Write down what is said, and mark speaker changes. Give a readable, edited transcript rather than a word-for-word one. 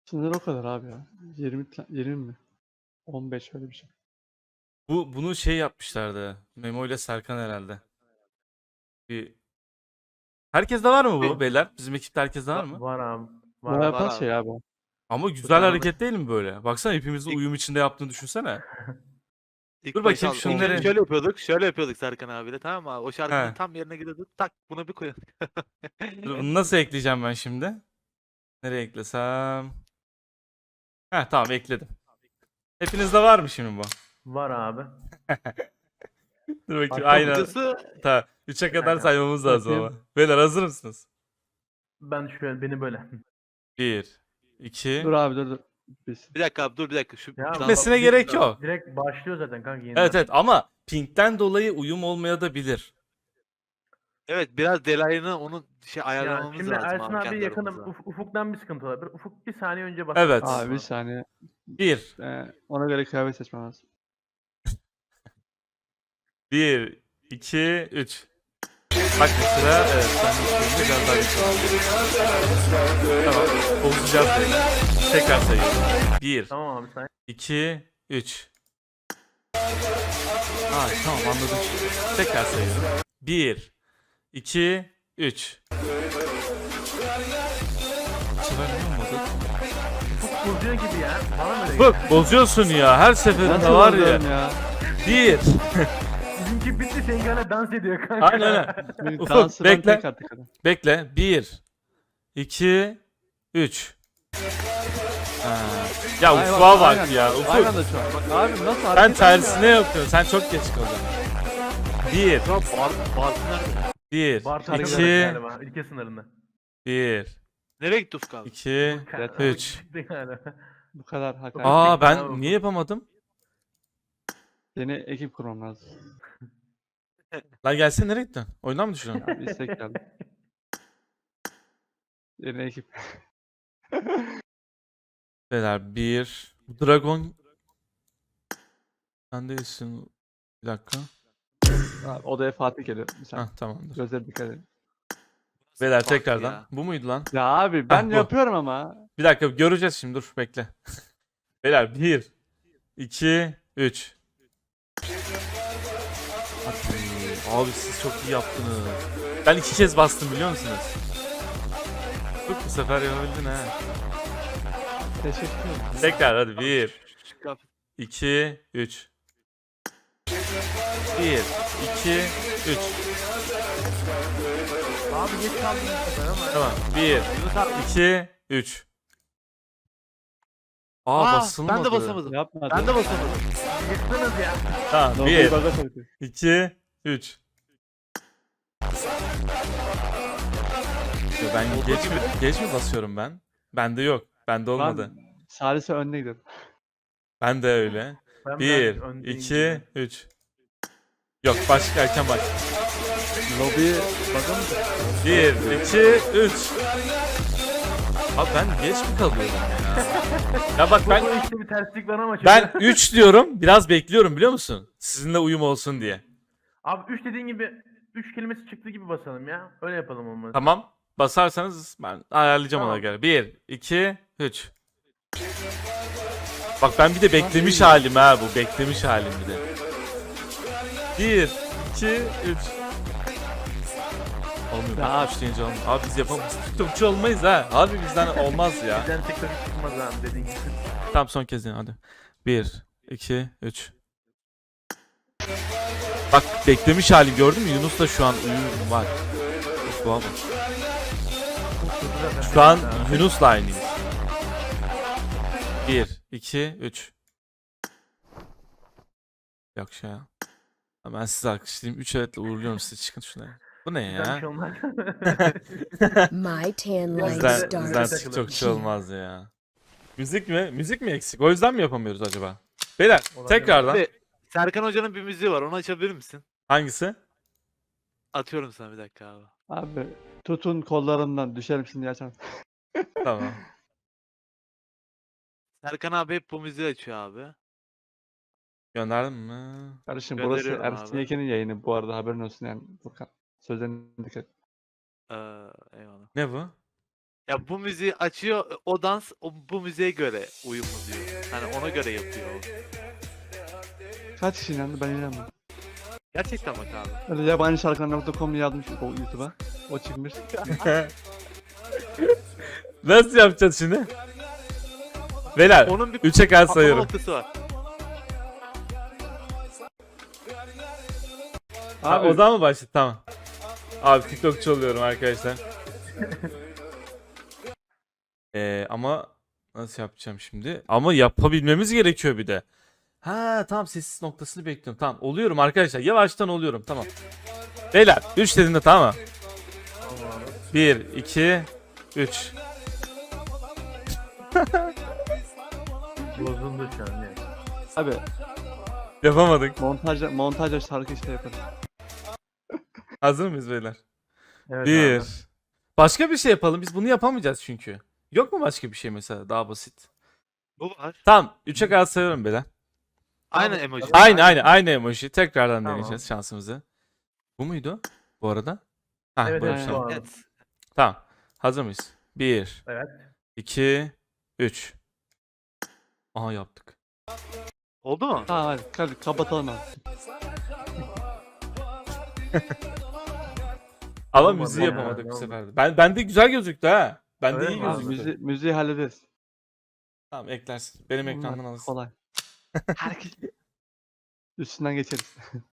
Speaker 1: Sınır o kadar abi ya. 20 mi? 15 öyle bir şey.
Speaker 2: Bunu şey yapmışlardı. Memo ile Serkan herhalde. Bir... Herkeste var mı bu beyler? Bizim ekipte herkeste var mı?
Speaker 3: Var abi.
Speaker 1: Bu
Speaker 3: Var.
Speaker 4: Var
Speaker 1: yapan
Speaker 4: abi.
Speaker 1: şey abi.
Speaker 2: Ama
Speaker 3: Bu
Speaker 2: güzel
Speaker 3: tane
Speaker 2: hareket değil mi böyle? Baksana hepimizin
Speaker 4: İlk-
Speaker 2: uyum içinde yaptığını düşünsene.
Speaker 4: İlk
Speaker 2: Dur
Speaker 4: başta
Speaker 2: bakayım
Speaker 4: al-
Speaker 2: şunları.
Speaker 4: Şöyle yapıyorduk. Şöyle yapıyorduk Serkan abiyle, tamam mı abi? O şarkının
Speaker 2: He.
Speaker 4: tam yerine gidiyorduk. Tak buna bir koyalım.
Speaker 2: Dur, bunu nasıl ekleyeceğim ben şimdi? Nereye eklesem? Heh, tamam ekledim. Hepinizde var mı şimdi bu?
Speaker 3: Var abi.
Speaker 2: Dur bakayım.
Speaker 3: Başka
Speaker 2: Aynen.
Speaker 4: Açıkçası
Speaker 2: Tamam. 3'e kadar
Speaker 3: Aynen.
Speaker 2: saymamız lazım ama.
Speaker 1: Bakayım.
Speaker 2: Beyler hazır mısınız?
Speaker 3: Ben şöyle beni böyle.
Speaker 2: 1, 2.
Speaker 1: Dur abi dur. Biz.
Speaker 4: bir dakika abi, dur bir dakika. Şu
Speaker 3: Ya
Speaker 2: Bitmesine
Speaker 3: bak,
Speaker 2: gerek yok.
Speaker 3: Direkt başlıyor zaten kanka yeniden.
Speaker 2: Evet evet ama pinkten dolayı uyum olmaya da bilir.
Speaker 4: Evet, biraz delayını onun
Speaker 3: Ya
Speaker 4: ayarlamamız
Speaker 3: şimdi
Speaker 4: lazım
Speaker 3: Ersin
Speaker 4: abi
Speaker 3: abi
Speaker 4: kendi
Speaker 3: yakınım.
Speaker 4: aramızda.
Speaker 3: Ufuk'tan bir sıkıntı olabilir. Ufuk bir saniye önce basar.
Speaker 2: Evet.
Speaker 1: Abi bir saniye.
Speaker 2: 1,
Speaker 1: Ona göre kıyafet seçmem lazım.
Speaker 2: 1, 2, 3. Bak mesela evet ben de biraz daha geçiyorum. Tamam. Bozacağız beyler. Tekrar sayıyorum. 1,
Speaker 3: Tamam abi sen.
Speaker 2: 2, 3. Aa tamam anladım şimdi. Tekrar sayıyorum. 1, 2, 3. Bu sefer ne olmadı?
Speaker 3: Ufuk bozuyor gibi ya. Bana mı öyle
Speaker 2: Bak
Speaker 3: geliyor?
Speaker 2: bozuyorsun ya her seferinde
Speaker 1: Nasıl
Speaker 2: var ya.
Speaker 1: bozuyorum ya?
Speaker 2: 1.
Speaker 3: Bizimki bitti senin hala dans ediyor kanka.
Speaker 2: Aynen öyle.
Speaker 1: Benim
Speaker 2: Ufuk,
Speaker 1: dansı ben
Speaker 2: bekle.
Speaker 1: tek attık adam.
Speaker 2: Bekle. 1, 2, 3. Ya
Speaker 1: Ay
Speaker 2: Ufuk'a bak
Speaker 1: aynen.
Speaker 2: ya.
Speaker 1: Aynı
Speaker 2: Ufuk.
Speaker 1: anda şu an. Bak abi nasıl
Speaker 2: Sen
Speaker 1: hareket
Speaker 2: tersine yapıyorsun. Sen çok geç kaldın. 1,
Speaker 4: Ya Bartın nerede?
Speaker 2: 1,
Speaker 3: Bart
Speaker 2: 2,
Speaker 3: galiba ülke sınırında.
Speaker 2: 1,
Speaker 4: Nereye gitti Ufuk abi?
Speaker 2: 2.
Speaker 1: Evet,
Speaker 2: Üç.
Speaker 1: Bu kadar hakaret.
Speaker 2: Aa ben
Speaker 3: Bravo.
Speaker 2: niye yapamadım?
Speaker 1: Yeni ekip kurmam lazım.
Speaker 2: Lan gelsene nereye gittin? Oyundan mı düşüyorsun?
Speaker 1: Abi istek geldi. Yeni ekip.
Speaker 2: Beyler 1. Dragon. Sen değilsin. Bir dakika.
Speaker 1: Abi, odaya Fatih geliyor. Bir saniye.
Speaker 2: Hah tamamdır.
Speaker 1: Gözleri dikkat edin.
Speaker 2: Beyler
Speaker 4: Bak
Speaker 2: tekrardan.
Speaker 4: ya.
Speaker 2: Bu muydu lan?
Speaker 1: Ya abi ben
Speaker 2: bu.
Speaker 1: yapıyorum ama.
Speaker 2: Bir dakika göreceğiz şimdi dur bekle. Beyler 1, 2, 3. Abi siz çok iyi yaptınız. Ben 2 kez bastım biliyor musunuz? Bak bu sefer yapabildin ha.
Speaker 1: Teşekkür ederim.
Speaker 2: Tekrar hadi 1,
Speaker 4: Şu kıyafet-
Speaker 2: 2, 3. 1, 2, 3.
Speaker 3: Abi geç kaldın bu sefer ama.
Speaker 2: Tamam. 1, 2, 3. Aa basılmadı.
Speaker 4: ben de basamadım.
Speaker 1: Yapma.
Speaker 4: Ben de basamadım.
Speaker 3: Yıktınız ya.
Speaker 2: Tamam.
Speaker 1: Nobi'yi
Speaker 2: 1,
Speaker 1: baga soktu.
Speaker 2: 2, 3. Ben geç mi basıyorum ben? Bende yok. Bende olmadı.
Speaker 1: Ben Salise önüne gidiyorum.
Speaker 2: Ben de öyle.
Speaker 3: Ben
Speaker 2: 1,
Speaker 3: biraz öndeyim
Speaker 2: 2,
Speaker 3: gibi.
Speaker 2: 3. Yok başka erken bak.
Speaker 1: Lobiyi baga mı soktu?
Speaker 2: 1, 2, 3. Abi ben geç mi kalıyorum ya? Ya bak
Speaker 3: Bu
Speaker 2: ben
Speaker 3: işte bir terslik var ama.
Speaker 2: ben 3 diyorum. Biraz bekliyorum biliyor musun? Sizinle uyum olsun diye.
Speaker 3: Abi 3 dediğin gibi 3 kelimesi çıktı gibi basalım ya. Öyle yapalım olmaz.
Speaker 2: Tamam. Basarsanız ben ayarlayacağım ona
Speaker 3: Tamam.
Speaker 2: göre. 1, 2, 3. Bak ben bir de beklemiş halim ha bu. Beklemiş halim bir de. 1, 2, 3. Olmuyor.
Speaker 1: Ya
Speaker 2: Bak 3 deyince olmuyor. Abi biz yapamayız. TikTokçu olmayız ha. Abi bizden olmaz ya.
Speaker 3: Bizden TikTok çıkmaz abi dediğin gibi.
Speaker 2: Tamam son kez yine hadi. 1, 2, 3. Bak beklemiş halim gördün mü? Yunus da şu an uyum var. Şu an, şu an Yunus'la aynıyız. 1, 2, 3. Yok şey ya. Ben sizi alkışlayayım. 3 evetle uğurluyorum sizi. Çıkın şuna. Bu ne
Speaker 3: Bizden bir
Speaker 2: ya?
Speaker 3: şey olmaz.
Speaker 5: My tan line
Speaker 2: Bizden
Speaker 5: starts.
Speaker 2: TikTokçu olmaz ya. Müzik mi? Müzik mi eksik? O yüzden mi yapamıyoruz acaba? Beyler
Speaker 3: Olabilir.
Speaker 2: tekrardan.
Speaker 4: Abi, Serkan Hoca'nın bir müziği var. Onu açabilir misin?
Speaker 2: Hangisi?
Speaker 4: Atıyorum sana bir dakika abi.
Speaker 1: Abi tutun kollarımdan düşerim şimdi açar.
Speaker 2: Tamam.
Speaker 4: Serkan abi hep bu müziği açıyor abi.
Speaker 2: Gönderdim mi?
Speaker 1: Kardeşim burası
Speaker 4: Gönderiyorum
Speaker 1: Ersin
Speaker 4: abi.
Speaker 1: Yeken'in yayını bu arada haberin olsun yani. Furkan. Sözlerine dikkat et.
Speaker 4: Eyvallah.
Speaker 2: Ne bu?
Speaker 4: Ya bu müziği açıyor, o dans bu müziğe göre uyumlu diyor. Hani ona göre yapıyor o.
Speaker 1: Kaç kişi inandı ben inanmadım.
Speaker 4: Gerçekten bak abi.
Speaker 1: Öyle yabancı şarkılar.com yazmış o YouTube'a. O çıkmış.
Speaker 2: Nasıl yapacağız şimdi? Beyler
Speaker 4: Onun bir
Speaker 2: 3'e kadar
Speaker 4: patlama
Speaker 2: sayıyorum.
Speaker 4: noktası var.
Speaker 2: Abi, o zaman mı başladı? Tamam. Abi TikTokçu oluyorum arkadaşlar. Ama nasıl yapacağım şimdi? Ama yapabilmemiz gerekiyor bir de. Ha tamam, sessiz noktasını bekliyorum. Tamam oluyorum arkadaşlar. Yavaştan oluyorum. Tamam. Beyler 3 dediğinde tamam mı? 1, 2, 3.
Speaker 3: Bozuldu şu an ya.
Speaker 1: Abi
Speaker 2: Yapamadık.
Speaker 1: montajla şarkı işte yaparız.
Speaker 2: Hazır mıyız beyler?
Speaker 3: Evet
Speaker 2: 1.
Speaker 3: abi.
Speaker 2: Başka bir şey yapalım. Biz bunu yapamayacağız çünkü. Yok mu başka bir şey mesela daha basit?
Speaker 4: Bu var.
Speaker 2: Tamam 3'e kadar sayıyorum beyler.
Speaker 4: Aynen emoji.
Speaker 2: Aynı emoji. Tekrardan
Speaker 3: Tamam.
Speaker 2: deneyeceğiz şansımızı. Bu muydu bu arada? Ha,
Speaker 3: Evet,
Speaker 2: buymuş,
Speaker 3: evet,
Speaker 2: tamam.
Speaker 3: bu arada.
Speaker 4: Evet.
Speaker 2: Tamam. Hazır mıyız? 1,
Speaker 3: Evet.
Speaker 2: 2, 3. Aha yaptık.
Speaker 4: Oldu mu?
Speaker 1: Tamam hadi kapatalım abi.
Speaker 2: Ama
Speaker 3: Olmadı
Speaker 2: müziği
Speaker 3: ya,
Speaker 2: yapamadık bu
Speaker 3: olmadı.
Speaker 2: sefer de. Bende güzel gözüktü ha. Bende
Speaker 3: Öyle
Speaker 2: iyi
Speaker 3: mi abi?
Speaker 2: gözüktü.
Speaker 1: Müziği hallederiz.
Speaker 2: Tamam eklersin. Benim
Speaker 1: Bunlar
Speaker 2: ekrandan alırsın.
Speaker 1: kolay. Herkes üstünden geçeriz.